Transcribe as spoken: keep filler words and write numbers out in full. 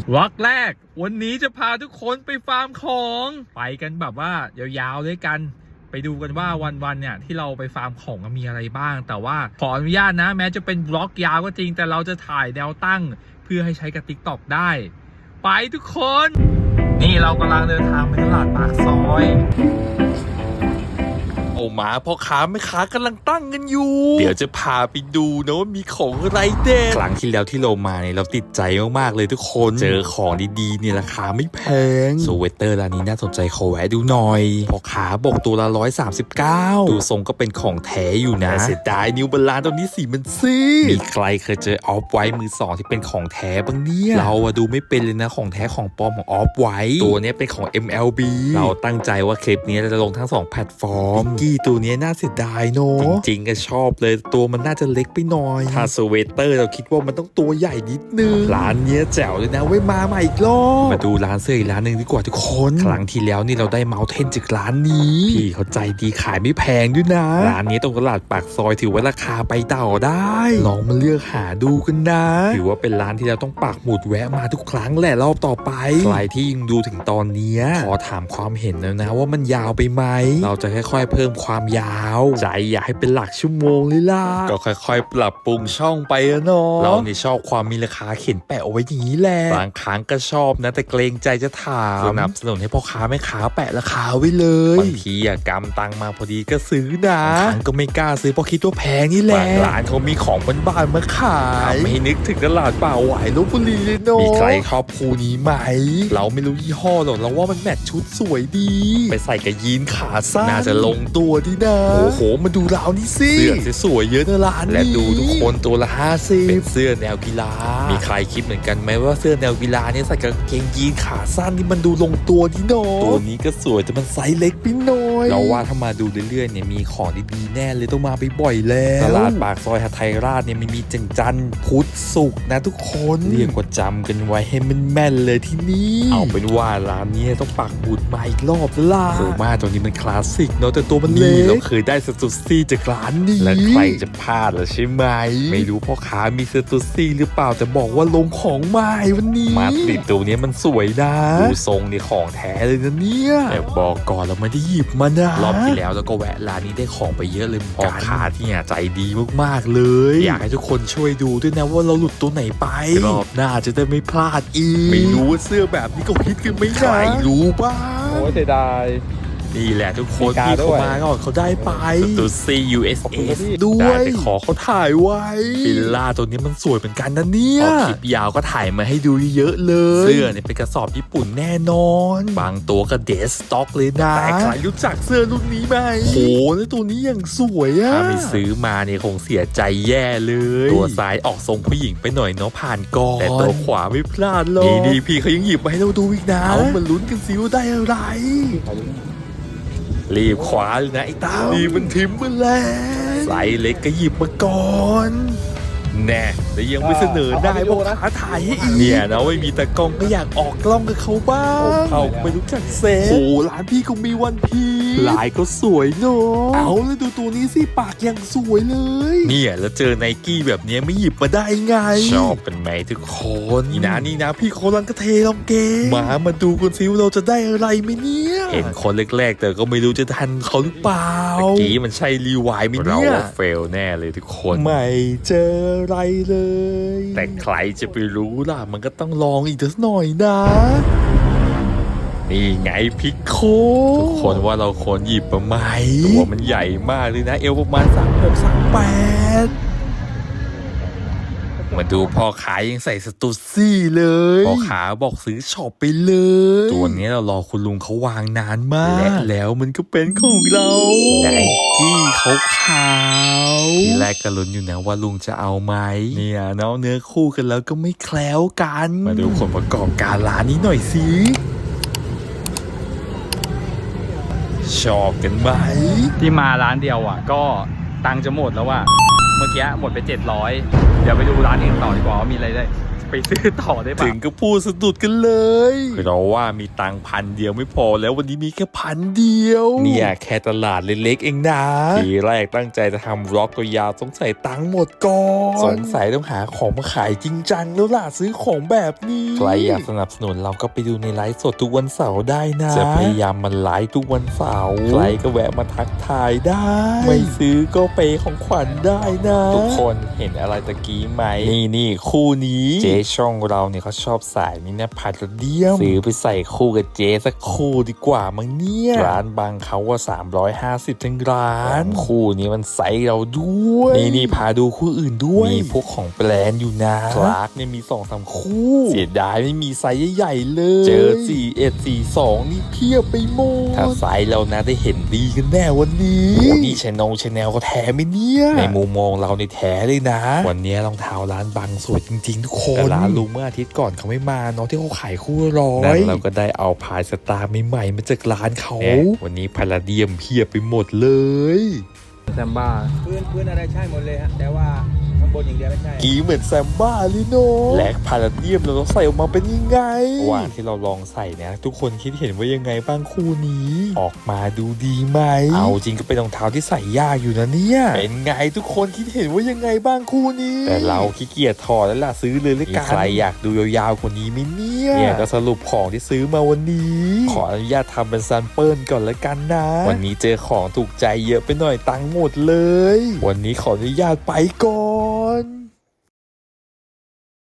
วรรคแรกวันนี้จะพาทุกคนไปฟาร์มของไปกันแบบว่ายาวๆด้วยกันไปดูกันว่าวันๆเนี่ยที่เราไปฟาร์มของมีอะไรบ้างแต่ว่าขออนุญาตนะแม้จะเป็นบล็อกยาวก็จริงแต่เราจะถ่ายแนวตั้งเพื่อให้ใช้กับ ติ๊กต็อก ได้ไปทุกคนนี่เรากำลังเดินทางไปตลาดปากซอยโอ้หมาพ่อค้าแม่ค้ากำลังตั้งกันอยู่เดี๋ยวจะพาไปดูนะว่ามีของอะไรเด็ดครั้งที่แล้วที่เรามาเนี่ยเราติดใจมากๆเลยทุกคนเจอของดีๆเนี่ยราคาไม่แพงสเวตเตอร์ร้านนี้น่าสนใจขอแวะดูหน่อยพ่อค้าบอกตัวละร้อยสามสิบเก้าดูทรงก็เป็นของแท้อยู่นะเสียดายนิวบาลานตัวนี้สีมันซีมีใครเคยเจอออฟไวท์มือสองที่เป็นของแท้บ้างเนี่ยเราอะดูไม่เป็นเลยนะของแท้ของปลอมของออฟไวท์ตัวนี้เป็นของ เอ็ม แอล บี เราตั้งใจว่าคลิปนี้เราจะลงทั้งสองแพลตฟอร์มตัวนี้น่าเสียดายเนอะจริงๆก็ชอบเลยตัวมันน่าจะเล็กไปหน่อยถ้าสเวตเตอร์เราคิดว่ามันต้องตัวใหญ่นิดนึงร้านนี้แจ๋วเลยนะไว้มาใหม่อีกรอบมาดูร้านเสื้ออีกร้านหนึ่งดีกว่าทุกคนครั้งที่แล้วนี่เราได้เมาส์เทนจากร้านนี้พี่เขาใจดีขายไม่แพงด้วยนะร้านนี้ตรงตลาดปากซอยถือว่าราคาไปต่อได้ลองมาเลือกหาดูกันนะถือว่าเป็นร้านที่เราต้องปักหมุดแวะมาทุกครั้งแหละรอบต่อไปใครที่ยังดูถึงตอนนี้ขอถามความเห็นแล้วนะว่ามันยาวไปไหมเราจะค่อยๆเพิ่มความยาวใจอยากให้เป็นหลักชั่วโมงเลยล่ะก็ค่อยๆปรับปรุงช่องไปอะเนาะเรานี่ชอบความมีราคาเขียนแปะเอาไว้อย่างนี้แหละบางครั้งก็ชอบนะแต่เกรงใจจะถามสนับสนุนให้พ่อค้าแม่ค้าแปะราคาไว้เลยบางทีอะกำตังมาพอดีก็ซื้อนะบางครั้งก็ไม่กล้าซื้อเพราะคิดว่าแพงนี่แหละบางร้านเขามีของบ้านๆมาขายไม่นึกถึงตลาดป่าหวายลพบุรีเลยเนาะมีใครชอบคู่นี้ไหมเราไม่รู้ยี่ห้อหรอกเราว่ามันแมทชุดสวยดีไปใส่กับยีนขาสั้นน่าจะลงตัวดีนะโอ้โหมาดูราวนี้สิเสื้อสวยๆเยอะนะร้านนี้และดูทุกคนตัวละห้าสิบเป็นเสื้อแนวกีฬามีใครคิดเหมือนกันไหมว่าเสื้อแนวกีฬาเนี่ยใส่กับกางเกงยีนขาสั้นนี่มันดูลงตัวดีเนาะตัวนี้ก็สวยแต่มันไซส์เล็กไปหน่อยเราว่าถ้ามาดูเรื่อยๆเนี่ยมีของดีๆแน่เลยต้องมาบ่อยๆแล้วตลาดปากซอยหทัยราชเนี่ยมันมีจังจันพุธศุกร์นะทุกคนเรียกว่าจำกันไว้ให้มันแม่นเลยที่นี่เอาเป็นว่าร้านนี้ต้องปักบุญมาอีกรอบแล้วล่ะโอ้มาตัวนี้มันคลาสสิกเนาะแต่ตัวมันเล็กเราเคยได้สตูซี่จากร้านนี้และใครจะพลาดล่ะใช่ไหมไม่รู้พ่อค้ามีสตูซี่หรือเปล่าแต่บอกว่าลงของใหม่วันนี้มาติดตัวนี้มันสวยนะดูทรงนี่ของแท้เลยนะเนี่ยแต่บอกก่อนเราไม่ได้หยิบมานะรอบที่แล้วแล้วก็แวะร้านนี้ได้ของไปเยอะเลยพ่อค้าที่เนี่ยใจดีมากๆเลยอยากให้ทุกคนช่วยดูด้วยนะว่าเราหลุดตัวไหนไปรอบหน้าจะได้ไม่พลาดอีกไม่รู้ว่าเสื้อแบบนี้ก็ฮิตกันไหมใครรู้บ้างโอ้เสียดายนี่แหละทุกคนที่เขามาก่อนเขาได้ไปตัว ซี ยู เอส เอส ด้วยแต่ขอเขาถ่ายไว้ฟิลล่าตัวนี้มันสวยเหมือนกันนะเนี่ยพอคลิปยาวก็ถ่ายมาให้ดูเยอะเลยเสื้อเนี่ยเป็นกระสอบญี่ปุ่นแน่นอนบางตัวก็เดสต็อกเลยนะแต่ใครรู้จักเสื้อรุ่นนี้ไหมโหแล้วตัวนี้อย่างสวยอะถ้าไม่ซื้อมาเนี่ยคงเสียใจแย่เลยตัวซ้ายออกทรงผู้หญิงไปหน่อยเนาะผ่านก่อนแต่ตัวขวาไม่พลาดเลยนี่พี่เขายังหยิบมาให้เราดูอีกนะเอามาลุ้นกันซิว่าได้อะไรรีบขวาเลยนะไอ้เต้านี่มันทิมมาแล้วไซส์เล็กก็หยิบมาก่อนแน่แต่ยังไม่เสนอได้เพราะขาถ่ายให้อีกเนี่ยนะไม่มีตะกล้องก็อยากออกกล้องกับเขาบ้างเขาไม่รู้จักเซฟโอ้ร้านพี่คงมีวันพีลายก็สวยเนาะเอาแล้วดูตัวนี้สิปากยังสวยเลยเนี่ยแล้วเจอไนกี้แบบนี้ไม่หยิบมาได้ไงชอบเป็นไหมทุกคนนี่นะนี่นะพี่เขาลังกระเทลองเกมมามาดูกันซิว่าเราจะได้อะไรไหมเนี่ยเห็นคนแรกๆแต่ก็ไม่รู้จะทันเขาหรือเปล่าเมื่อกี้มันใช่รีวายไหมเนี่ยเราเฟลแน่เลยทุกคนไม่เจออะไรเลยแต่ใครจะไปรู้ล่ะมันก็ต้องลองอีกสักหน่อยนะนี่ไงพิกโคทุกคนว่าเราควรหยิบมาไหมตัวมันใหญ่มากเลยนะเอวประมาณสามหกสามแปดมาดูพ่อขายยังใส่สตูซี่เลยพ่อขาบอกซื้อช็อปไปเลยตัวนี้เรารอคุณลุงเขาวางนานมากและแล้วมันก็เป็นของเราไนกี้เขาขาวทีแรกก็ลุ้นอยู่นะว่าลุงจะเอาไหมเนี่ยเนาะเนื้อคู่กันแล้วก็ไม่แคล้วกันมาดูคนประกอบการร้านนี้หน่อยสิชอบกันไหมที่มาร้านเดียวอ่ะก็ตังค์จะหมดแล้วอ่ะเมื่อกี้หมดไปเจ็ดร้อยเดี๋ยวไปดูร้านอื่นต่อดีกว่าว่ามีอะไรได้ไปไปซื้อต่อได้ปะถึงก็พูดสะดุดกันเลยเราว่ามีตังพันเดียวไม่พอแล้ววันนี้มีแค่พันเดียวเนี่ยแค่ตลาดเล็กๆเองนะทีแรกตั้งใจจะทำร็อกตัวยาวสงสัยตังหมดก่อนสงสัยต้องหาของมาขายจริงจังแล้วล่ะซื้อของแบบนี้ใครอยากสนับสนุนเราก็ไปดูในไลฟ์สดทุกวันเสาร์ได้นะจะพยายามมันไลฟ์ทุกวันเสาร์ใครก็แวะมาทักทายได้ไม่ซื้อก็เปย์ของขวัญได้นะทุกคนเห็นอะไรตะกี้ไหมนี่นี่คู่นี้เจ๊ช่องเราเนี่ยเขาชอบสายนี้นะพาราเดียมซื้อไปใส่คู่กับเจ๊สักคู่ดีกว่ามั้งเนี่ยร้านบางเขาว่าสามร้อยห้าสิบทั้งร้านคู่นี้มันไซส์เราด้วยนี่นี่พาดูคู่อื่นด้วยมีพวกของแบรนด์อยู่นะคลาร์กเนี่ยมีสองสามคู่เสียดายไม่มีไซส์ใหญ่ๆเลยเจอสี่เอ็ดสี่สองนี่เพียบไปหมดถ้าไซส์เรานะได้เห็นดีกันแน่วันนี้นี่ชแนลชแนลก็แท้ไหมเนี่ยในมุมมองเราในแท้เลยนะวันนี้รองเท้าร้านบางสวยจริงๆทุกคนแต่ร้านลุงเมื่ออาทิตย์ก่อนเขาไม่มาเนาะที่เขาขายคู่ร้อยนั่นเราก็ได้เอาพายสตาร์ใหม่ๆมาจากร้านเขาวันนี้พาราเดียมเพียบไปหมดเลยแซมบ้าพื้นพื้นอะไรใช่หมดเลยฮะแต่ว่าข้างบนอย่างเดียวไม่ใช่กีเหมือนแซมบ้าเลยเนาะแลกพาราเดียมเราใส่ออกมาเป็นยังไงระหว่างที่เราลองใส่เนี่ยทุกคนคิดเห็นว่ายังไงบ้างคู่นี้ออกมาดูดีไหมเอาจริงก็เป็นรองเท้าที่ใส่ยากอยู่นะเนี่ยเป็นไงทุกคนคิดเห็นว่ายังไงบ้างคู่นี้แต่เราขี้เกียจถอดแล้วล่ะซื้อเลยละกันใครอยากดูยาวๆกว่านี้ไหมเนี่ยเนี่ยก็สรุปของที่ซื้อมาวันนี้ขออนุญาตทำเป็นแซมเปิลก่อนละกันนะวันนี้เจอของถูกใจเยอะไปหน่อยตังค์หมดเลยวันนี้ขออนุญาตไปก่อ